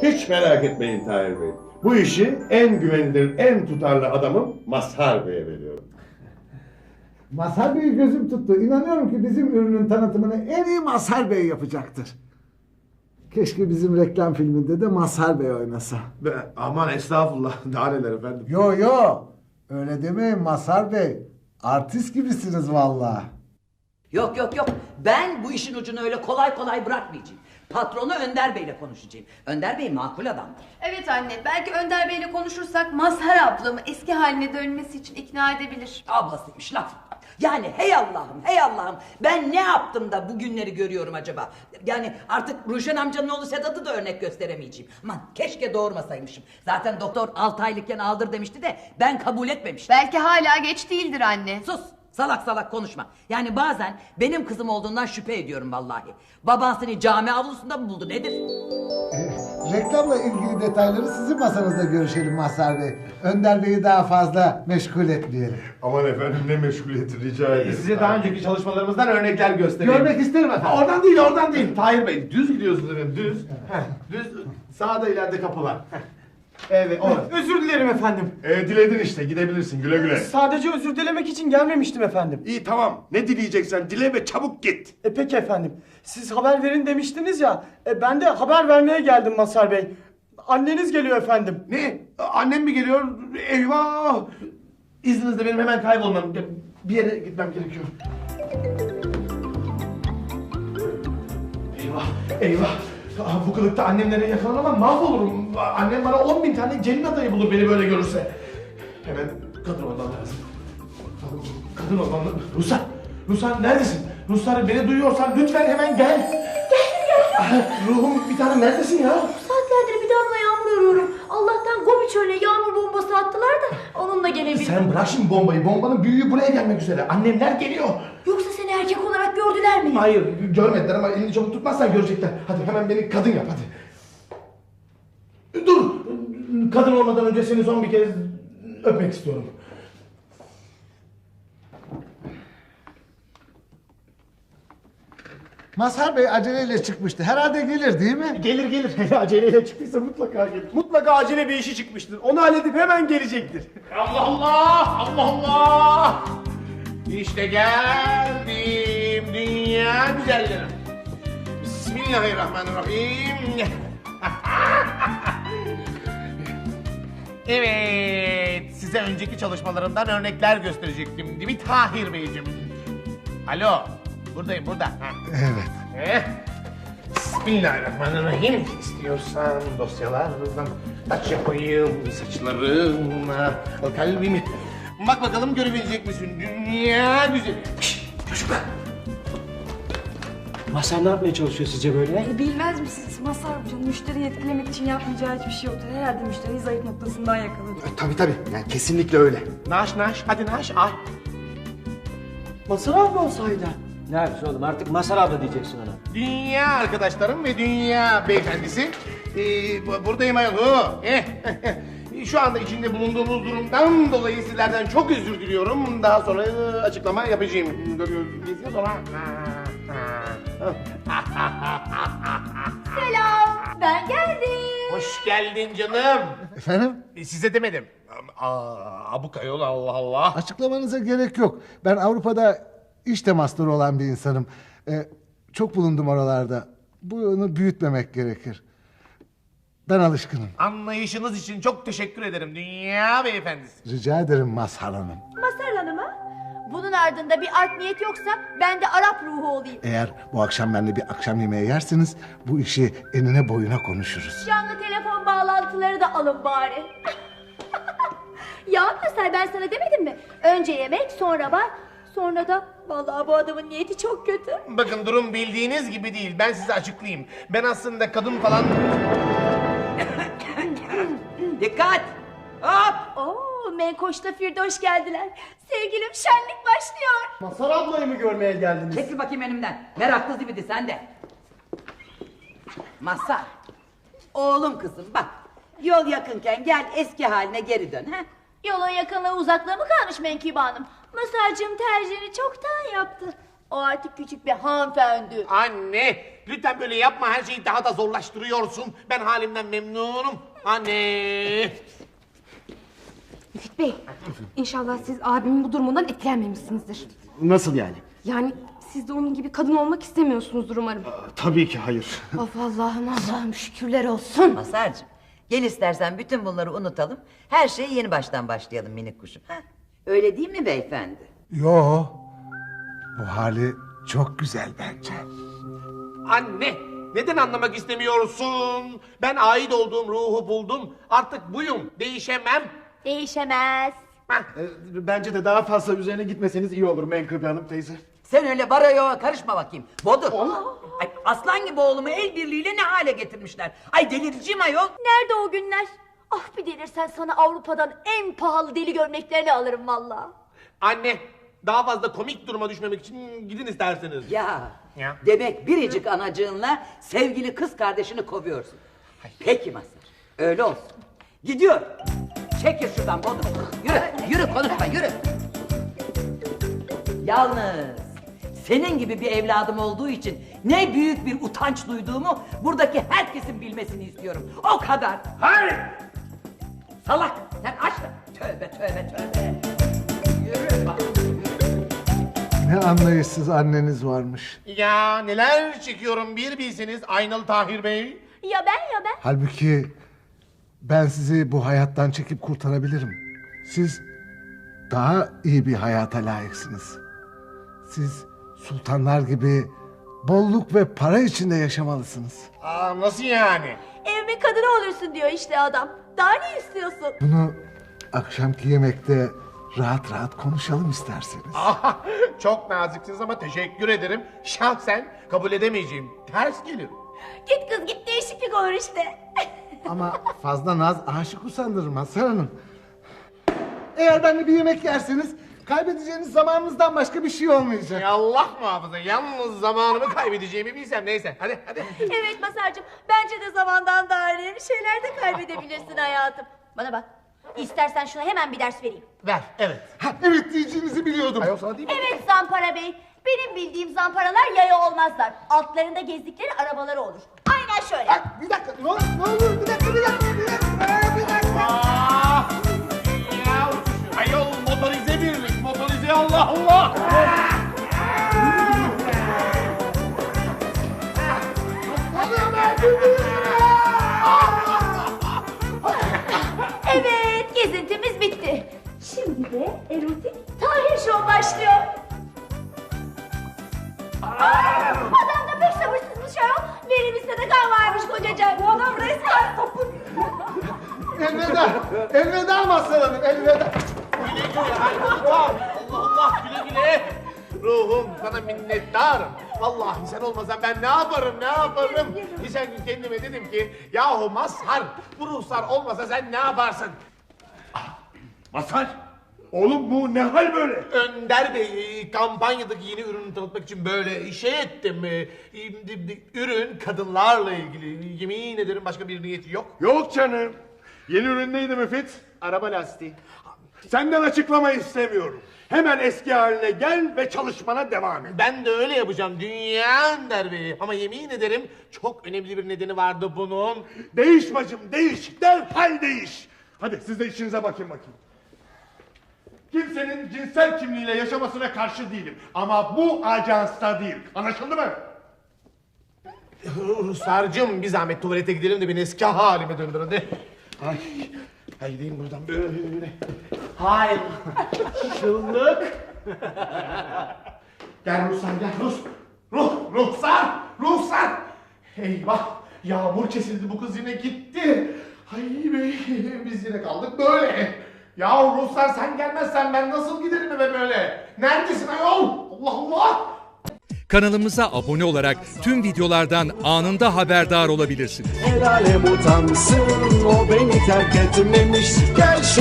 Hiç merak etmeyin Tahir Bey. Bu işi en güvenilir, en tutarlı adamım Mazhar Bey'e veriyorum. Mazhar Bey'i gözüm tuttu. İnanıyorum ki bizim ürünün tanıtımını en iyi Mazhar Bey yapacaktır. Keşke bizim reklam filminde de Mazhar Bey oynasa. Aman estağfurullah. Daha neler efendim. Yo, öyle demeyin Mazhar Bey. Artist gibisiniz vallahi. Yok. Ben bu işin ucunu öyle kolay kolay bırakmayacağım. Patronu Önder Bey'le konuşacağım. Önder Bey makul adamdır. Evet anne, belki Önder Bey'le konuşursak Mazhar ablamı eski haline dönmesi için ikna edebilir. Ablasıymış laf. Yani hey Allah'ım ben ne yaptım da bu günleri görüyorum acaba? Yani artık Ruşen amcanın oğlu Sedat'ı da örnek gösteremeyeceğim. Aman keşke doğurmasaymışım. Zaten doktor 6 aylıkken aldır demişti de ben kabul etmemiştim. Belki hala geç değildir anne. Sus! Salak konuşma. Yani bazen benim kızım olduğundan şüphe ediyorum vallahi. Baban seni cami avlusunda mı buldu nedir? Reklamla ilgili detayları sizin masanızda görüşelim Mazhar Bey. Önder Bey'i daha fazla meşgul etmeyelim. Aman efendim ne meşguliyeti rica ederim. Size daha önceki çalışmalarımızdan örnekler göstereyim. Görmek isterim efendim. Oradan değil. Tahir Bey, düz gidiyorsunuz efendim, düz. Düz, sağda ileride kapılar. Evet, orası. Özür dilerim efendim. Diledin işte gidebilirsin güle güle. Sadece özür dilemek için gelmemiştim efendim. İyi tamam, ne dileyeceksen dile ve çabuk git. Peki efendim. Siz haber verin demiştiniz ya. Ben de haber vermeye geldim Mazhar Bey. Anneniz geliyor efendim. Ne? Annem mi geliyor? Eyvah! İzninizle benim hemen kaybolmam. Bir yere gitmem gerekiyor. Eyvah! Bu kılıkta annemlere yakalanamam, mahvolurum. Annem bana 10.000 tane gelin adayı bulur beni böyle görürse. Hemen kadın olmam lazım. Kadın olmam lazım. Ruslar neredesin? Ruslar beni duyuyorsan lütfen hemen gel. Ruhum bir tanem neredesin ya? Saatlerdir bir damla yağmur arıyorum. Allah'tan Gobi çölüne yağmur bombası attılar da onunla gelebildim. Sen bırak şimdi bombayı. Bombanın büyüğü buraya gelmek üzere. Annemler geliyor. Yoksa seni erkek olarak gördüler mi? Hayır görmediler ama elini çabuk tutmazsan görecekler. Hadi hemen beni kadın yap hadi. Dur. Kadın olmadan önce seni son bir kez öpmek istiyorum. Mazhar Bey aceleyle çıkmıştı. Herhalde gelir değil mi? Gelir. Hele aceleyle çıktıysa mutlaka gelir. Mutlaka acele bir işi çıkmıştır. Onu halledip hemen gelecektir. Allah! İşte geldim dünya güzellerim. Bismillahirrahmanirrahim. Evet, size önceki çalışmalarımdan örnekler gösterecektim değil mi Tahir Beyciğim? Alo, buradayım burada. Evet. Bismillahirrahmanirrahim. İstiyorsan dosyalardan taç yapayım saçlarına, kalbimi. Bak bakalım görebilecek misin dünya güzeli. Çocuklar. Mazhar ne yapmaya çalışıyor sizce böyle? Bilmez misiniz? Mazhar amcanın müşteriyi etkilemek için yapmayacağı hiçbir şey yoktur. Herhalde müşteriyi zayıf noktasından yakaladı. Tabii yani kesinlikle öyle. Naş hadi naş ay. Mazhar abla olsaydı. Ne yapıyorsun oğlum artık Mazhar abla diyeceksin ona. Dünya arkadaşlarım ve dünya beyefendisi. Buradayım ayol. Şu anda içinde bulunduğumuz durumdan dolayı sizlerden çok özür diliyorum. Daha sonra açıklama yapacağım. Görüyorsunuz sonra. Selam, ben geldim. Hoş geldin canım. Efendim? Size demedim. Abuk ayol Allah Allah. Açıklamanıza gerek yok. Ben Avrupa'da iş temasları olan bir insanım. Çok bulundum oralarda. Bunu büyütmemek gerekir. Ben alışkınım. Anlayışınız için çok teşekkür ederim dünya beyefendisi. Rica ederim Mazhar Hanım. Mazhar Hanım'a? Bunun ardında bir art niyet yoksa ben de Arap ruhu olayım. Eğer bu akşam benimle bir akşam yemeği yerseniz bu işi enine boyuna konuşuruz. Canlı telefon bağlantıları da alın bari. Ya Mazhar ben sana demedim mi? Önce yemek sonra bar sonra da vallahi bu adamın niyeti çok kötü. Bakın durum bildiğiniz gibi değil. Ben size açıklayayım. Ben aslında kadın falan... Dikkat! Hop! Oo, Menkoş'la Firdoş geldiler. Sevgilim şenlik başlıyor. Mazhar ablayı mı görmeye geldiniz? Çekil bakayım önümden. Meraklı zibidi sen de. Mazhar. Oğlum kızım bak. Yol yakınken gel eski haline geri dön. Ha? Yolun yakınlığı uzaklığı mı kalmış Menkibe Hanım? Mazhar'cığım tercihini çoktan yaptı. O artık küçük bir hanımefendi. Anne, lütfen böyle yapma. Her şeyi daha da zorlaştırıyorsun. Ben halimden memnunum. Anne. Müfit Bey, inşallah siz abimin bu durumundan etkilenmemişsinizdir. Nasıl yani? Yani siz de onun gibi kadın olmak istemiyorsunuzdur umarım. Tabii ki hayır. Of Allah'ım şükürler olsun. Mazhar'cığım gel istersen bütün bunları unutalım. Her şeye yeni baştan başlayalım minik kuşum. Ha? Öyle değil mi beyefendi? Yo, bu hali çok güzel bence. Anne, neden anlamak istemiyorsun? Ben ait olduğum ruhu buldum. Artık buyum. Değişemem. Değişemez. Hah. Bence de daha fazla üzerine gitmeseniz iyi olur Menkıbe Hanım teyze. Sen öyle barayoğa karışma bakayım. Bodur. Ay, aslan gibi oğlumu el birliğiyle ne hale getirmişler. Ay delireceğim ayol. Nerede o günler? Ah bir delirsen sana Avrupa'dan en pahalı deli gömleklerini alırım valla. Anne, daha fazla komik duruma düşmemek için gidin isterseniz. Ya, Ya. demek biricik anacığınla sevgili kız kardeşini kovuyorsun. Peki Mazhar, öyle olsun. Gidiyor. Çekil şuradan Bodur. Yürü konuşma yürü. Yalnız senin gibi bir evladım olduğu için ne büyük bir utanç duyduğumu buradaki herkesin bilmesini istiyorum. O kadar. Hayır. Salak sen açma. Tövbe. Yürü bak. Ne anlayışsız anneniz varmış. Ya neler çekiyorum bir bilseniz Aynalı Tahir Bey. Ya ben. Halbuki ben sizi bu hayattan çekip kurtarabilirim. Siz daha iyi bir hayata layıksınız. Siz sultanlar gibi bolluk ve para içinde yaşamalısınız. Aa, nasıl yani? Evimin kadını olursun diyor işte adam. Daha ne istiyorsun? Bunu akşamki yemekte rahat rahat konuşalım isterseniz. Aha, çok naziksiniz ama teşekkür ederim. Şahsen kabul edemeyeceğim. Ters gelir. Git kız git değişiklik olur işte. Ama fazla naz aşık usandırır Mazhar Hanım. Eğer benimle bir yemek yerseniz kaybedeceğiniz zamanınızdan başka bir şey olmayacak. Ya Allah muhafaza, yalnız zamanımı kaybedeceğimi bilsem. Neyse, hadi. Evet Masar'cığım bence de zamandan daha önemli şeyler de kaybedebilirsin hayatım. Bana bak. İstersen şuna hemen bir ders vereyim. Ver, evet. Ha, evet diyeceğinizi biliyordum. Ayol sana değil mi? Evet Zampara Bey. Benim bildiğim zamparalar yaya olmazlar. Altlarında gezdikleri arabaları olur. Aynen şöyle. Bir dakika ne olur bir dakika. Ya, ayol motorize birlik, motorize Allah Allah. Evet gezintimiz bitti. Şimdi de erotik Tahir Show başlıyor. Adam da pek sabırsızmış ayol. Verimizde de kan varmış kocacığım. Bu adam resmen sapık. Elveda Mazhar Hanım elveda. Güle güle Allah Allah güle güle. Ruhum sana minnettarım. Vallahi sen olmasan ben ne yaparım? Geçen gün kendime dedim ki yahu Mazhar bu ruhsar olmasa sen ne yaparsın? Mazhar, oğlum bu ne hal böyle? Önder Bey kampanyadaki yeni ürünü tanıtmak için böyle şey ettim. Ürün kadınlarla ilgili. Yemin ederim başka bir niyeti yok. Yok canım. Yeni ürün neydi Müfit? Araba lastiği. Senden açıklama istemiyorum. Hemen eski haline gel ve çalışmana devam et. Ben de öyle yapacağım Dünya Önder Bey. Ama yemin ederim çok önemli bir nedeni vardı bunun. Değiş bacım, değiş. Derhal değiş. Hadi siz de işinize bakın. Kimsenin cinsel kimliğiyle yaşamasına karşı değilim. Ama bu ajansta değil. Anlaşıldı mı? Ruslarcığım bir zahmet tuvalete gidelim de beni eski halime döndür hadi. Ay gideyim buradan böyle. Hayır. Şıllık. Gel Ruslar gel Ruhsar. Eyvah. Yağmur kesildi bu kız yine gitti. Ay bey biz yine kaldık böyle. Ya Ruhsar sen gelmezsen ben nasıl giderim eve böyle? Neredesin ayol? Allah Allah. Kanalımıza abone olarak tüm videolardan anında haberdar olabilirsiniz. El alem utansın o beni terk etmemiş. Gel